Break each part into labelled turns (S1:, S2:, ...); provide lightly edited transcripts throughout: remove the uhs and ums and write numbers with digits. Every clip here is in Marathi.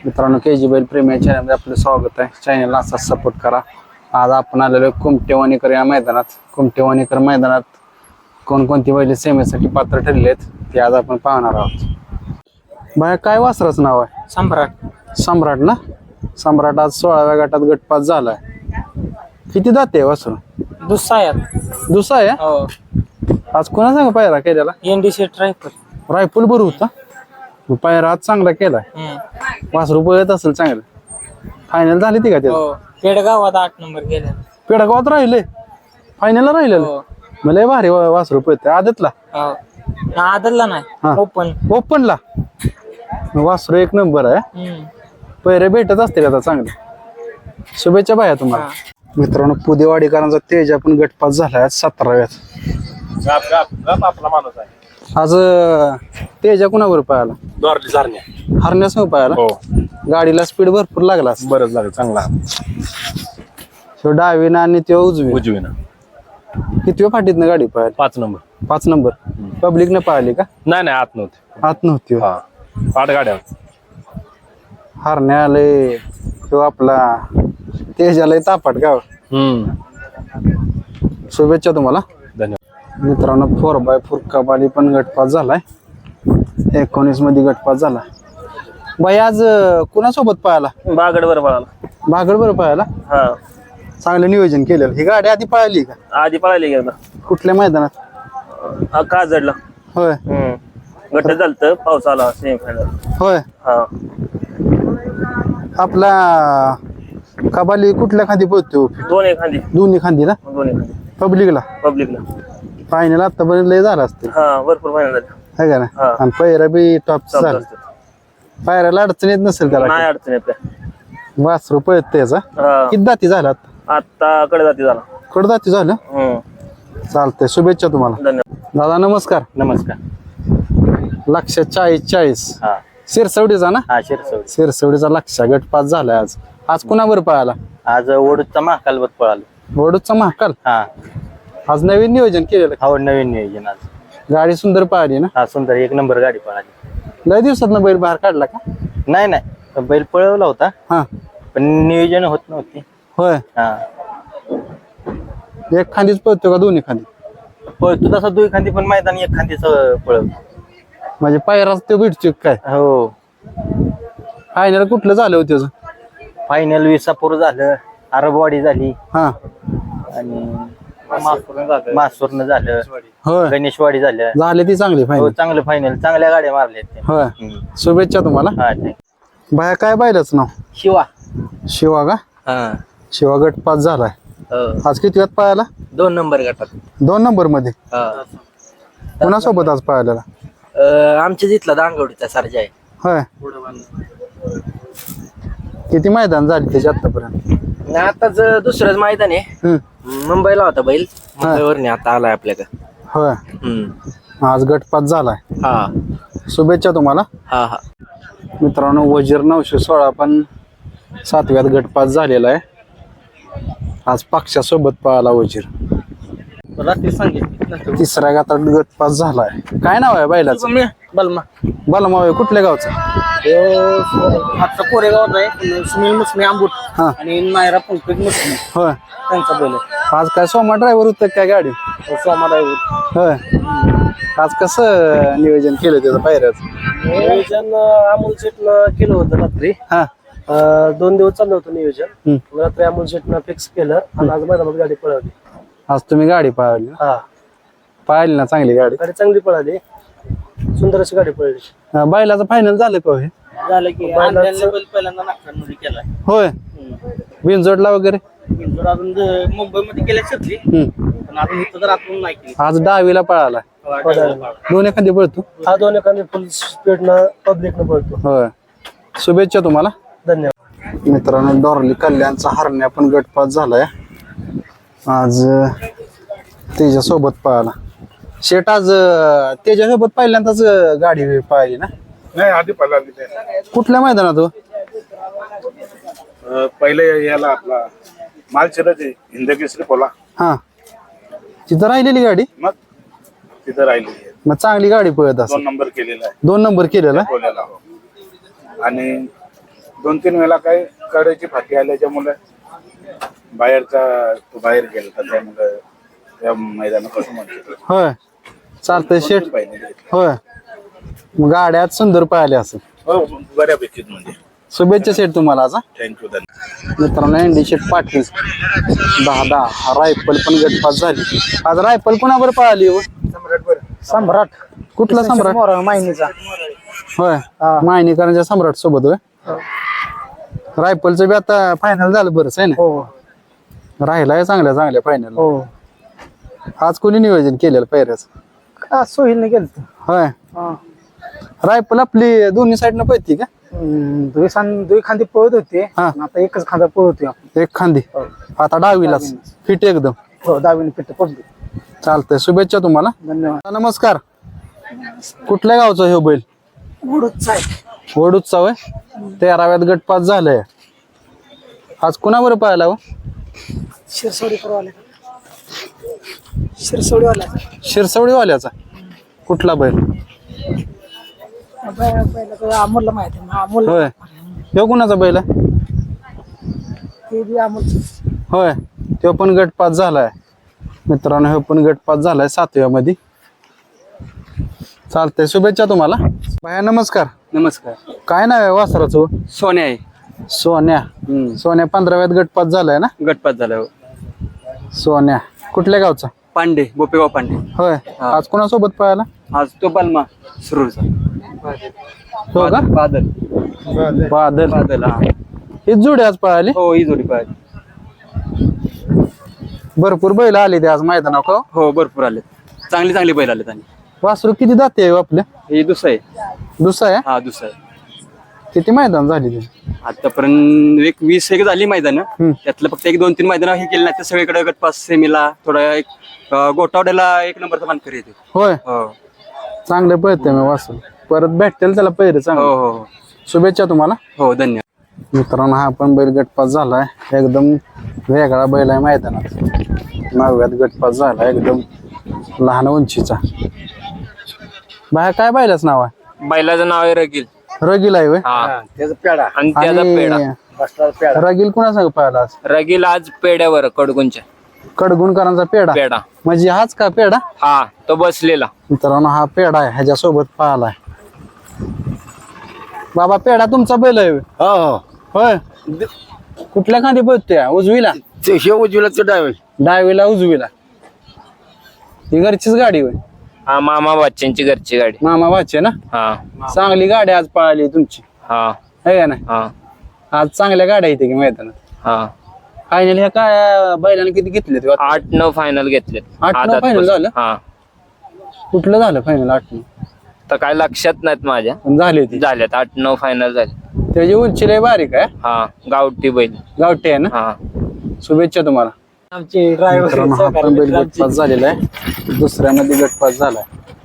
S1: मित्रांनो KG बैल प्रेमी या चॅनलमध्ये आपलं स्वागत आहे. चॅनलला असाच सपोर्ट करा. आज आपण आलेलो कुमटेवाणीकर या मैदानात. कुमटेवाणीकर मैदानात कोणकोणती बैल सेमीसाठी पात्र ठरले आहेत ते आज आपण पाहणार आहोत. बाया काय वासराचं नाव आहे?
S2: सम्राट.
S1: सम्राट ना? सम्राट आज 16व्या गटात गटपास झालाय. किती दाते वासरू? दुसरा आहे.
S2: हो.
S1: आज कोणा सांग पायरा केलेला?
S2: NDC ट्रायफल.
S1: रायफल बरं होता. पायरा आज चांगला केलाय. वासरू पळत असेल चांगलं. फायनल झाली ती का ते?
S2: हो. पेडगावात 8 नंबर गेला.
S1: पेडगावात राहिले फायनलला राहिलेलं. मला भारी वासरू पळते आदतला.
S2: हो. आदरला नाही, ओपन.
S1: ओपनला वासरू एक नंबर आहे. पैरे भेटत असतील आता चांगले. शुभेच्छा बाया तुम्हाला. मित्रांनो पुदेवाडीकरांचा तेज आपण गटपास झालाय 17व्यात.
S3: आपला माणूस आहे.
S1: आज तेजा कुणावर पाहायला? हरण्यास पाहायला.
S3: हो.
S1: गाडीला स्पीड भरपूर लागला.
S3: बरंच लागेल चांगला.
S1: तो डावीनं आणि तो
S3: उजवीनं.
S1: किती फाटीतनं गाडी पाहायला?
S3: 5 नंबर.
S1: 5 नंबर. पब्लिकने पाहिली का?
S3: नाही आत नव्हते.
S1: आत नव्हती.
S3: हा 8 गाड्या.
S1: हरण्या आले तो आपला तेजाला तापाट गाव. शुभेच्छा तुम्हाला.
S3: धन्यवाद.
S1: मित्रांनो 4x4 कबाली पण गटपास झालाय. 19 मध्ये गटपास झाला. बाई आज कुणासोबत पाहायला?
S3: बागडवर पळाला.
S1: बागडवर पाहायला.
S3: हा
S1: चांगलं नियोजन केलेलं. ही गाडी आधी पळाली का?
S3: आधी पळाली गेला.
S1: कुठल्या मैदानात?
S3: का जडला.
S1: होय.
S3: गट झालत पाऊस आला सेमीफायनल.
S1: होय.
S3: हा
S1: आपला कबाली कुठल्या खांदी पळतो?
S3: दोन्ही खांदी.
S1: दोन्ही खांदी ना?
S3: दोन्ही खांदी.
S1: पब्लिकला.
S3: पब्लिकला.
S1: फायनल आतापर्यंत लय झाला असते.
S3: हा भरपूर फायनल झाले.
S1: है का ना?
S3: हा.
S1: आणि पैरा बी टॉप झाला. पायऱ्याला अडचण येत नसेल त्याला.
S3: नाही अडचण आपल्या.
S1: वासरू पळत त्याचा.
S3: हा
S1: किती दाती झाला?
S3: आता कडे जाती झाला.
S1: कडदाती झालं. चालतंय. शुभेच्छा तुम्हाला.
S3: धन्यवाद.
S1: दादा नमस्कार.
S3: नमस्कार.
S1: 140
S3: हा
S1: शिरसवडीचा ना?
S3: हा शिरसवडी.
S1: शिरसवडीचा लक्ष गटपास झालाय आज. आज कुणावर पळाला?
S3: आज ओढूचा महाकालवर पळालो.
S1: वडूचा महाकाल.
S3: हा
S1: आज नवीन नियोजन केलेलं.
S3: हो नवीन नियोजन आज.
S1: गाडी सुंदर पळाली ना?
S3: हा सुंदर 1 नंबर गाडी पळाली.
S1: लय दिवसात बैल बाहेर काढला का?
S3: नाही बैल पळवला होता
S1: हा.
S3: पण नियोजन होत नव्हती.
S1: होय.
S3: हा
S1: एक खांदीच पळतो का दोन्ही खांदी?
S3: पळतो तसा 2 खांदी पण मैदान 1 खांदीच पळवतो.
S1: म्हणजे पायराच ते भेटतो काय?
S3: हो.
S1: फायनल कुठलं झालं होतं त्याचं?
S3: फायनल विसापूर झालं. अरबवाडी झाली.
S1: हा.
S3: आणि मासूरनं झालं.
S1: होय.
S3: गणेशवाडी झालं.
S1: झाले ती चांगली
S3: हो
S1: फायनल.
S3: चांगलं फायनल. चांगल्या गाड्या मारल्या.
S1: होय. शुभेच्छा तुम्हाला.
S3: हा ठीक.
S1: बाया काय बायलाच नाव?
S3: शिवा.
S1: शिवा का?
S3: हा
S1: शिवा गटपास झालाय. आज किती वेळात पाहायला?
S3: 2 नंबर गटात.
S1: 2 नंबर मध्ये. कोणासोबत आज पाहायला?
S3: आमच्या तिथला दांगवडीचा सर्जा आहे.
S1: होय. किती मैदान झाली त्याच्या आतापर्यंत?
S3: आताच दुसरंच मैदान आहे. मुंबईला होता बैल. मुंबईवर आता आलाय आपल्याकडे.
S1: होय. आज गटपास झालाय.
S3: हा
S1: शुभेच्छा तुम्हाला.
S3: हा हा.
S1: मित्रांनो वजीर 916 पण 7व्यात गटपास झालेला आहे. आज पक्षासोबत पाहायला वजीर.
S3: रात्री सांगितलं
S1: 3ऱ्या गटात गटपास झालाय. काय नाव आहे बैलाचं?
S3: बलमा.
S1: बलमावे कुठल्या गावचं?
S3: आता कोरेगावात आहे. सुनील मुसमी आंबूट
S1: हा.
S3: आणि नायरा पंकज मुसमी
S1: होय.
S3: त्यांचा बैल.
S1: आज काय सोमा ड्रायव्हर होतं काय गाडी?
S3: सोमा
S1: होय. आज कसं नियोजन केलं त्याचं पायऱ्याचं?
S3: नियोजन अमोल शेटनं केलं होतं रात्री.
S1: हा.
S3: 2 दिवस चाललं होतं नियोजन. रात्री अमोल शेटनं फिक्स केलं आणि आज मैदानात गाडी पळवली.
S1: आज तुम्ही गाडी पाहिली?
S3: हा
S1: पाहिली ना चांगली गाडी?
S3: गाडी चांगली पळाली. सुंदर अशी गाडी पळली.
S1: बैलाचं फायनल झालं का हे?
S3: झालं की पहिल्यांदा नागपूरमध्ये केलाय.
S1: होय. बिनजोडला वगैरे
S3: अजून मुंबईमध्ये केल्या शकली पण अजून इथं तर आपण नाही केली.
S1: आज डावीला पळाला. दोन एखादी पळतो.
S3: हा 2 एखादी फुल स्पीडनं पब्लिकनं पळतो.
S1: होय. शुभेच्छा तुम्हाला.
S3: धन्यवाद.
S1: मित्रांनो डॉर्ली कल्याणचा हरण्या पण गटपास झालाय. आज त्याच्यासोबत पळाला. शेट आज त्याच्यासोबत पहिल्यांदाच गाडी पाहिली ना?
S4: नाही आधी पळाली.
S1: कुठल्या मैदानात हो?
S4: पहिले याला आपला मालशिरस हिंदकेसरी पोला.
S1: हा. तिथं राहिलेली गाडी?
S4: मग तिथं राहिली.
S1: मग चांगली गाडी पळत असं.
S4: 2 नंबर केलेला आहे
S1: 2 नंबर केलेला.
S4: पोल्याला. आणि 2-3 वेळा काही कडेची फाटी आल्याच्यामुळे तो बाहेर गेला त्यामुळे त्या मैदानापासून म्हणतो
S1: होय चालतंय शेट
S4: पाहिजे
S1: होय मग गाड्यात सुंदर पाहिले असेल.
S4: हो बऱ्यापैकी म्हणजे
S1: शुभेच्छा शेट तुम्हाला आज हा.
S4: थँक्यू धन्यवाद.
S1: मित्रांनो एनडी शेट पाटील 10-10 रायफल पण गटपास झाली. आज रायफल कोणावर पळाली हो?
S3: सम्राट
S1: कुठला सम्राट?
S3: माहिनीचा
S1: होय मायनीकरांच्या सम्राट सोबत होय. रायफलचं बी आता फायनल झालं बरंच आहे ना.
S3: हो
S1: राहिलाय चांगल्या फायनल.
S3: हो
S1: आज कोणी नियोजन केलेलं पैऱ्याचं?
S3: सोहिलने गेलं
S1: होय. रायफल आपली दोन्ही साईडनं पळती का?
S3: दुई खांदी पळत होते
S1: हा.
S3: आता एकच खांदा पळत होती.
S1: एक खांदी आता डावीलाच फिट एकदम.
S3: हो दाबीने पिट्ट पडली.
S1: चालतंय शुभेच्छा तुम्हाला.
S3: धन्यवाद.
S1: नमस्कार. कुठल्या गावचा हे बैल? वडूचा होय. 13व्यात गटपास झालंय. आज कुणावर पाहायला हो? शिरसवडीवाल्याचा. कुठला बैल?
S3: अमोलला माहिती अमोल
S1: होय. ह्यो कुणाचा बैल आहे? होय तो पण गटपास झालाय. मित्रांनो ह्यो पण गटपास झालाय 7व्या मध्ये. चालतंय शुभेच्छा तुम्हाला. भैया नमस्कार.
S2: नमस्कार.
S1: काय नाव आहे वासराचं हो?
S2: सोन्या आहे.
S1: सोन्या. सोन्या 15व्यात गटपास झालाय ना.
S2: गटपात झाला.
S1: सोन्या कुठल्या गावचा?
S2: पांडे गोपेगाव पांडे.
S1: होय. आज कोणासोबत पळाला?
S2: आज तो बलमा सुरूचा.
S1: हो का?
S2: बादल
S1: बादल.
S2: बादल हा.
S1: ही जोडी आज पळाली.
S2: हो ही जोडी पाहिजे.
S1: भरपूर बैल आले ते आज मैदानावर का?
S2: हो भरपूर आले. चांगली बैल आले त्यांनी.
S1: वासरू किती दाते आहे हो आपल्या?
S2: हे दुसरं आहे.
S1: दुसरा आहे.
S2: हा दुसरं आहे.
S1: किती मैदान झाली ती?
S2: आतापर्यंत एक 20 झाली मैदान. त्यातलं फक्त 1-2-3 मैदान हे केले नाही तर सगळीकडे गटपास सेमीला थोडा एक गोटावड्याला 1 नंबरचा मानकरी येते.
S1: होय.
S2: हो
S1: चांगले पळते मी वासरू. परत भेटतील त्याला पैर
S2: हो
S1: चांगलं.
S2: हो
S1: शुभेच्छा तुम्हाला.
S2: हो धन्यवाद.
S1: मित्रांनो हा पण बैल गटपास झालाय. एकदम वेगळा बैल आहे मैदानात. 9व्यात गटपास झाला. एकदम लहान उंचीचा. बाहेर काय बैलाचं नाव आहे?
S2: बैलाचं नाव आहे रगील.
S1: रगील आहे होय.
S2: त्याचा पेडा आणि त्याचा पेडा.
S1: रगील कुणा सांग पाहिला आज?
S2: रगील आज पेड्यावर कडगुंच्या
S1: कडगुणकरांचा पेडा.
S2: पेडा
S1: म्हणजे हाच का पेडा?
S2: हा तो बसलेला.
S1: मित्रांनो हा पेडा आहे. ह्याच्यासोबत पाहिलाय. बाबा पेडा तुमचा बैल आहे होय? होय. कुठल्या खांदी पळतोय? उजवीला.
S3: उजवीला
S1: डावीला उजवीला. ही घरचीच गाडी होय.
S2: हा मामा बच्चनची घरची गाडी.
S1: मामा वाचे ना.
S2: हा
S1: चांगली गाडी आज पळाली तुमची
S2: हा
S1: आहे का नाही?
S2: हा
S1: आज चांगल्या गाड्या येते की मैदानात.
S2: हा.
S1: फायनल ह्या काय बैलाने किती घेतले?
S2: 8-9 फायनल घेतले.
S1: 8-9 फायनल झालं.
S2: हा
S1: कुठलं झालं फायनल? 8-9
S2: तर काय लक्षात नाहीत माझ्या.
S1: पण झाले ते.
S2: झाल्यात 8-9 फायनल झाले.
S1: त्याची उंची लय बारीक आहे.
S2: हा गावठी बैल.
S1: गावठी आहे ना.
S2: हा
S1: शुभेच्छा तुम्हाला.
S3: आमचे
S1: मित्रांनो हा पण बैल गटपास झालेला आहे. दुसऱ्यामध्ये गटपास झालाय.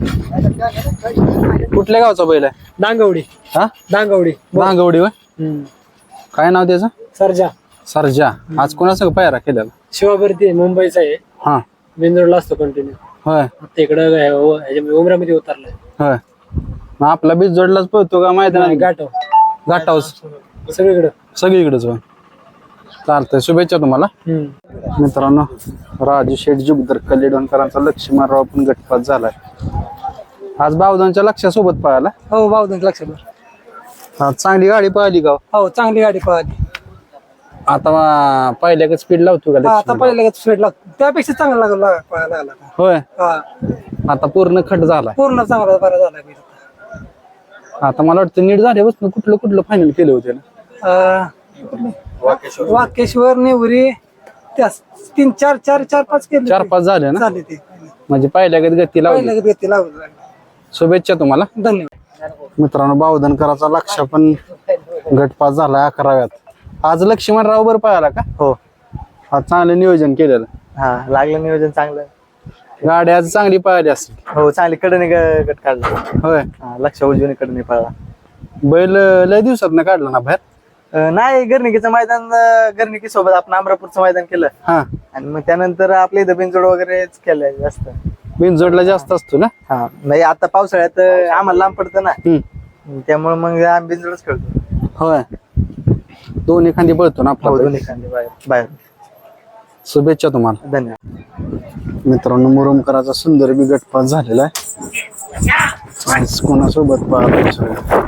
S1: कुठल्या गावचा बैल आहे?
S3: दांगवडी.
S1: हा
S3: दांगवडी.
S1: भांगवडी होय. काय नाव त्याचं?
S3: सरजा.
S1: सरजा. आज कोणासंग पायरा केलेला?
S3: शिवाभरती मुंबईचा आहे.
S1: हा
S3: बेंदूरला असतो कंटिन्यू.
S1: होय.
S3: आता इकडं उमरामध्ये उतरलाय.
S1: होय. मग आपला बीज जोडलाच पळतो का मैदानात?
S3: गाठव
S1: घाटावच
S3: सगळीकडं.
S1: सगळीकडेच होय. चालतंय शुभेच्छा तुम्हाला. मित्रांनो राजू शेठ जुगदर कलेडोनकरांचा लक्ष्मणराव पण गटपास झालाय. आज बावदांच्या लक्षासोबत पळाला.
S3: हो बावधन लक्षात.
S1: आज चांगली गाडी पळाली का?
S3: हो चांगली गाडी पळाली.
S1: आता पहिल्या स्पीड लावतो का?
S3: आता पहिल्या स्पीड लागतो त्यापेक्षा चांगला पळायला लागला.
S1: होय.
S3: हा
S1: आता पूर्ण खट झालाय.
S3: पूर्ण चांगला बरा झाला.
S1: आता मला वाटतं नीट झाल्यापासून कुठलं फायनल केलं होते ना?
S3: वाकेश्वर नेवरी त्या 3-4-4-5 केले.
S1: 4-5 झाले ना.
S3: झाले ते.
S1: म्हणजे पहिल्या गती लावली.
S3: पहिल्या गती लावली.
S1: शुभेच्छा तुम्हाला.
S3: धन्यवाद.
S1: मित्रांनो बावधनकरांचा लक्ष पण गटपास झालाय 11व्यात. आज लक्ष्मणराव बर पळाला का?
S3: हो
S1: आज चांगलं नियोजन केलेलं.
S3: हा लागलं नियोजन चांगलं.
S1: गाडी आज चांगली पळाली असेल.
S3: हो चांगली कडने गट काढला.
S1: होय.
S3: लक्ष उजवीने कडने पळला.
S1: बैल लय दिवसात ना काढला ना बाहेर?
S3: नाही गर्णिकीचं मैदान गर्णिकी सोबत आपण अमरापूरचं मैदान केलं.
S1: हा.
S3: आणि मग त्यानंतर आपल्या इथं बिनजोड वगैरे केलंय जास्त.
S1: बिनजोडला जास्त असतो ना.
S3: हा नाही आता पावसाळ्यात आम्हाला लांब पडतं ना त्यामुळे मग आम्ही बिनजोडच खेळतो.
S1: होय. दोन्ही खांदी पळतो ना आपला बैल?
S3: दोन्ही खांदे बाहेर.
S1: शुभेच्छा तुम्हाला.
S3: धन्यवाद.
S1: मित्रांनो, मुरुमकराचा सुंदर बी गटपास झालेला आहे. आज कोणासोबत पाहतो?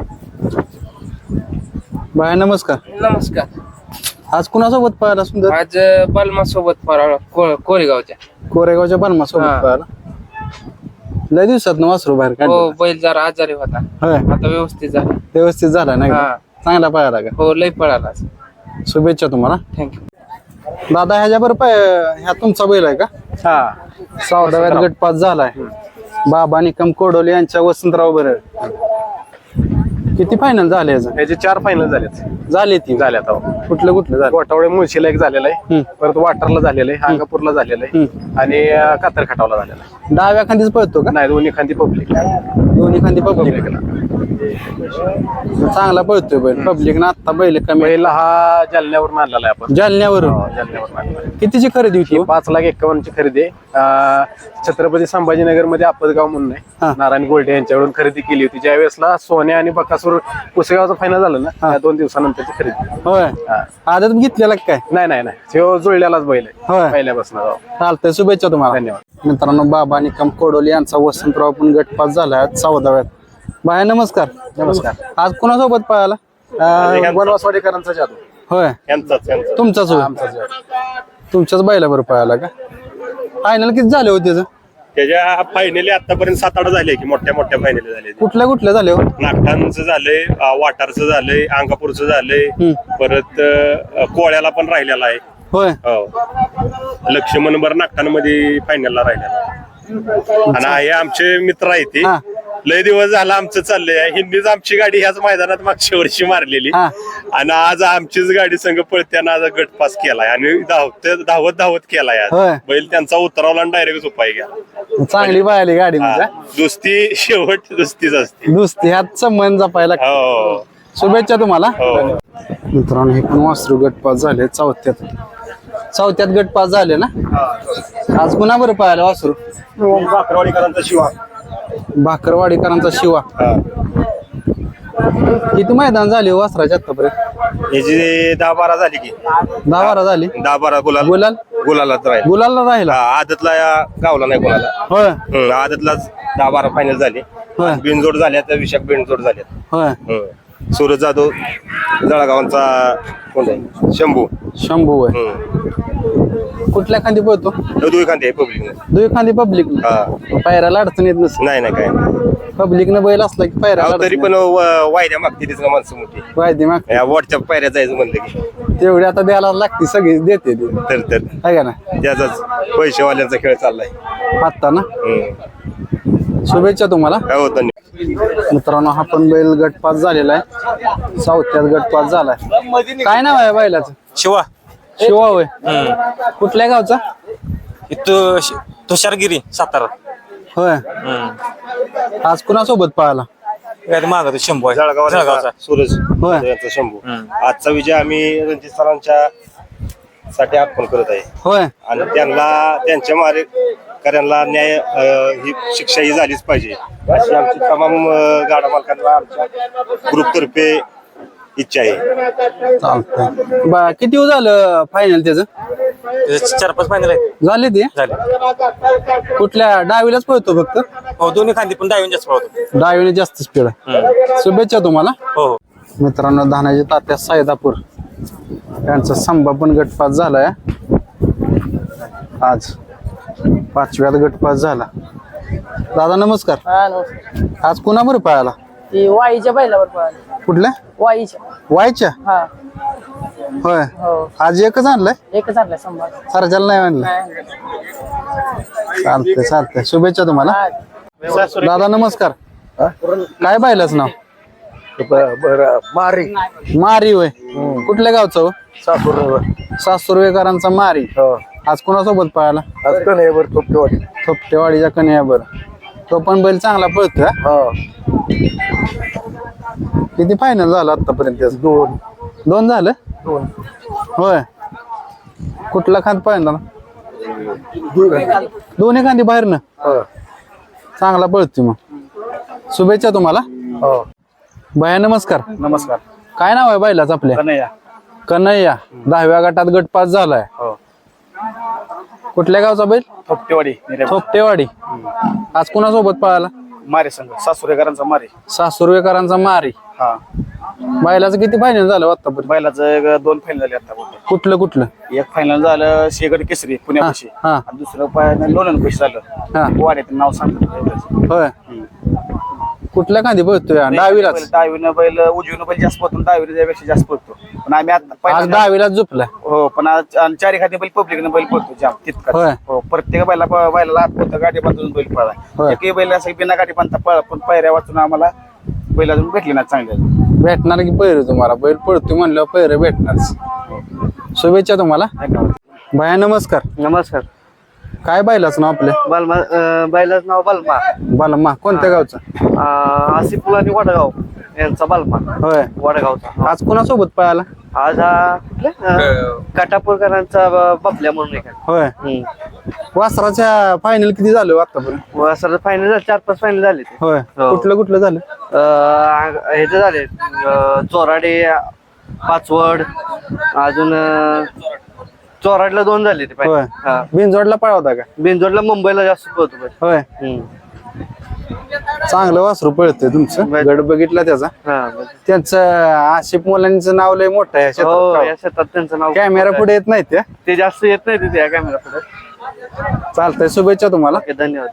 S1: बाय नमस्कार.
S5: नमस्कार.
S1: आज कुणासोबत पाहायला सुंदर?
S5: आज बलमा सोबत कोरेगावच्या.
S1: कोरेगावच्या बनमा सोबत
S5: हा.
S1: पाहायला. लय दिवसात वासरू बाहेर
S5: हो,
S1: काढलं.
S5: बैल जरा आजारी होता,
S1: होय,
S5: आता व्यवस्थित झाला.
S1: व्यवस्थित झाला नाही का?
S5: हा.
S1: चांगला पाहायला का?
S5: हो, लय पळाला.
S1: शुभेच्छा तुम्हाला.
S5: थँक्यू.
S1: दादा, ह्याच्या बरोबर ह्या तुमचा बैल आहे का?
S3: हा.
S1: सावधाव्यात गटपास झालाय. बाबा निकम कोडोले यांच्या वसंतराव बरं. किती फायनल झाले याचं?
S6: याचे 4 फायनल झालेत.
S1: झाले ती
S6: झाल्यात अहो.
S1: कुठलं कुठलं झालं?
S6: गोठावळे मुळशीला एक झालेला आहे, परत वाटरला झालेला आहे, अंगापूरला झालेला आहे आणि कातर खटावला झालेला आहे.
S1: डाव्या खांदीच पळतो का?
S6: नाही, दोन्ही खांदी पब्लिक.
S1: दोन्ही खांदी पब्लिक. चांगला पळतोय बैल. पब्लिक ना आता बैल कमी.
S6: पहिला हा जालन्यावरून आणलेला आहे आपण.
S1: जालन्यावरून.
S6: जालन्यावरून आणलेला आहे.
S1: कितीची खरेदी होती हो?
S6: 5,51,000 ची खरेदी आहे. छत्रपती संभाजीनगर मध्ये आपदगाव म्हणून
S1: हा.
S6: आहे, नारायण गोल्डे यांच्याकडून खरेदी केली होती. ज्या वेळेसला सोन्या आणि बकासूर पुसेगावचं फायनल झालं ना, त्या 2 दिवसानंतरची खरेदी.
S1: होय, आदत घेतलेला काय?
S6: नाही, तो जुळलेलाच बैल आहे
S1: होय,
S6: पहिल्यापासून.
S1: चालतंय. शुभेच्छा तुम्हाला.
S6: धन्यवाद.
S1: मित्रांनो, बाबा निकम कोडोली यांचा वसंतराव पण गटपास झालाय 14व्यात. बाय नमस्कार.
S6: नमस्कार.
S1: आज कोणासोबत पळाला?
S6: वनवासवाडीकरांचा जादू
S1: होय, तुमचाच होय. तुमच्याच बैला बरोबर पळाला का? फायनल किती झाले होते त्याचं?
S7: त्याच्या फायनली आतापर्यंत 7-8 झाले की मोठ्या फायनली झाले.
S1: कुठल्या कुठल्या झाले हो?
S7: नागठाणचं झालंय, वाटारचं झालंय, अंगापूरचं झालंय, परत कोळ्याला पण राहिलेला आहे.
S1: होय,
S7: हो, लक्ष्मणभर नागठाणमध्ये फायनलला राहिलेला आहे. आणि हे आमचे मित्र आहेत ते.
S1: हा.
S7: लय दिवस झाला आमचं चाललंय. हिंदीच आमची गाडी ह्याच मैदानात मागच्या वर्षी मारलेली
S1: हा.
S7: आणि आज आमचीच गाडी संघ पळत्यानं आज गट पास केलाय आणि धावत केलाय आज.
S1: होय.
S7: बैल त्यांचा उतरवला आणि डायरेक्ट उपाय गेला.
S1: चांगली पाहिली गाडी म्हणजे.
S7: दुस्ती शेवट दुस्तीच असते.
S1: दुसरी ह्यात संबंध जपायला.
S7: हो
S1: शुभेच्छा तुम्हाला.
S7: हो.
S1: मित्रांनो, हे पण वासरू गटपास झाले चौथ्यात गटपास झाले ना. आज कुणा बरं पाहायला वासरू?
S7: भाकरवाडीकरांचा शिवा.
S1: भाकरवाडीकरांचा शिवा. किती मैदान झाले हो वासराच्या आतापर्यंत?
S7: याची 10-12 झाली की
S1: 10-12 झाली.
S7: 10-12
S1: गुलाल
S7: गुलालाच राहील.
S1: गुलालला राहिला.
S7: आदतला गावला नाही कोणाला.
S1: होय,
S7: आदतलाच 10-12 फायनल झाले.
S1: होय,
S7: बिनजोड झाल्या तर विशाख बिनजोड झाल्या.
S1: होय.
S7: सूरज जाधव जळगावांचा कोण आहे?
S1: शंभू होय. कुठल्या खांदी पळतो?
S7: दुई खांदे पब्लिक.
S1: दुई खांदी पब्लिक. पायऱ्याला अडचण येत नसते.
S7: नाही काय
S1: पब्लिकनं बैल असला की पायऱ्याला
S7: तरी पण वायद्या मागते तिथं माणसं मोठी.
S1: माहिती मग
S7: वॉटच्या पायऱ्या जायचं म्हणलं की
S1: तेवढी आता द्यायला लागते, सगळी देते ती.
S7: तर
S1: आहे का ना?
S7: त्याचाच पैसेवाल्यांचा खेळ चाललाय.
S1: आत्ता ना. शुभेच्छा तुम्हाला.
S7: हो, धन्यवाद.
S1: मित्रांनो, हा पण बैल गटपास झालेला आहे. चौथ्यात गटपास झालाय. काय नाव आहे बैलाचं?
S8: शिवा.
S1: शिवा होय. कुठल्या गावचा?
S8: तुषारगिरी, सातारा.
S1: होय. आज कुणासोबत पाहायला?
S8: मागत शंभू आहे.
S7: जळगावचा सूरज
S1: होय.
S7: यांचा शंभू. आजचा विजय आम्ही रणजित सरांच्या साठी अर्पण करत आहे
S1: होय.
S7: आणि त्यांच्या मारेकऱ्यांना न्याय ही शिक्षा ही झालीच पाहिजे अशी आमची तमाम गाडा मालकांना आमच्या ग्रुपतर्फे इच्छा आहे.
S1: चालतंय. किती झालं फायनल त्याचं?
S8: 4-5 फायनल आहेत.
S1: झाले ते?
S8: झाले.
S1: कुठल्या डावीलाच पळतो फक्त?
S8: हो, दोन्ही खांदी पण डावीन जास्त पळतो.
S1: डावीने जास्त स्पीड आहे. शुभेच्छा तुम्हाला.
S8: हो.
S1: मित्रांनो, धानाजी तात्या सायदापूर यांचा संभा पण गटपास झालाय आज. 5व्यात गटपास झाला. दादा नमस्कार. आज कुणाबरोबर पाहायला?
S9: ती वाईच्या बैलावर पळाली.
S1: कुठल्या?
S9: वाईच्या.
S1: वायच्या.
S9: हा.
S1: होय.
S9: हो.
S1: आज एकच आणलंय?
S9: एकच आणलाय संभाळ.
S1: सरजाला नाही आणलं. चालतंय. शुभेच्छा तुम्हाला. दादा नमस्कार. काय पाहिलंच नाव? मारी होय. कुठल्या गावचं हो? सासुर्वेकरांचा मारी. आज कोणासोबत पाहायला? थोपटेवाडीच्या कन्याबर. तो पण बैल चांगला पळतोय. किती फायनल झालं आतापर्यंत? 2 झालं. होय. कुठला खांद पाहिला? दोन्ही खांदी बाहेर ना. चांगला पळतोय मग. शुभेच्छा तुम्हाला. भैया नमस्कार.
S4: नमस्कार.
S1: काय नाव आहे बैलाच आपल्या?
S4: कन्हैया.
S1: कन्हैया 10व्या गटात गट पास झालाय.
S6: हो.
S1: कुठल्या गावचा बैल?
S6: थोपटेवाडी
S1: थोपटेवाडी. आज कुणासोबत पळाला?
S6: मारे संघ सासुरेकरांचा मारे.
S1: सासुर्वेकरांचा मारी.
S6: हा.
S1: बैलाचं किती फायनल झालं आतापर्यंत?
S6: बैलाचं 2 फायनल झाले आता.
S1: कुठलं कुठलं?
S6: एक फायनल झालं शेगड केसरी पुण्यापाशी.
S1: हा.
S6: आणि दुसरं फायनल लोणंद पैसे
S1: हा.
S6: झालं. वाड्यात नाव सांगतो एवढंच.
S1: होय. कुठल्या खांदी पळतोय? डावीलाच.
S6: डावीनं बैल उजवीनं बैल जास्त पळतो, डावीनं त्यापेक्षा जास्त पळतो. पण आम्ही आता
S1: आज
S6: पहिल्यांदा-
S1: डावीलाच झोपलाय.
S6: हो पण आज आणि चारी खाती बैल पब्लिकनं बैल पळतो जाम तितका.
S1: होय.
S6: हो प्रत्येक बैलाला हात पळतो, गाडी बांधून बैल पळा.
S1: होय.
S6: एकही बैल असं बिना गाडी बांधता पळा, पण पायऱ्या वाचून आम्हाला बैल अजून भेटले ना चांगले.
S1: भेटणार की पैर तुम्हाला? बैल पळतोय म्हणल्यावर पैर भेटणार. शुभेच्छा तुम्हाला. भया नमस्कार.
S3: नमस्कार.
S1: काय बैलाचं नाव आपलं?
S3: बालमा बैलाचं नाव बालमा.
S1: बालमा. कोणत्या गावचा?
S3: आसिफुल आणि वडगाव यांचा बालमा.
S1: होय.
S3: वडगावचा.
S1: आज कुणासोबत पळाला?
S3: आज हा कुठल्या काटापूरकरांचा बापल्या म्हणून एक
S1: होय. वासराच्या फायनल किती झालं आतापर्यंत?
S3: असं फायनल झाले 4-5 फायनल झाले ते.
S1: होय.
S3: हो.
S1: कुठलं कुठलं झालं?
S3: ह्याचे झाले चोराडे, पाचवड, अजून चोराडला 2 झाले ते
S1: होय.
S3: हा.
S1: बिनजोडला पळवता का?
S3: बिनजोडला मुंबईला जास्त पळतो बैल.
S1: होय. चांगलं वासरू पळतंय तुमचं. गड बघितला त्याचा.
S3: हा.
S1: त्यांचं आशिफ मुलांचं नाव लय मोठं आहे
S3: हो
S1: क्षेत्रात.
S3: या शेतात त्यांचं नाव
S1: कॅमेरा पुढे येत नाही त्या.
S3: ते जास्त येत नाही तिथे या कॅमेरा पुढे.
S1: चालतंय. शुभेच्छा तुम्हाला.
S3: धन्यवाद.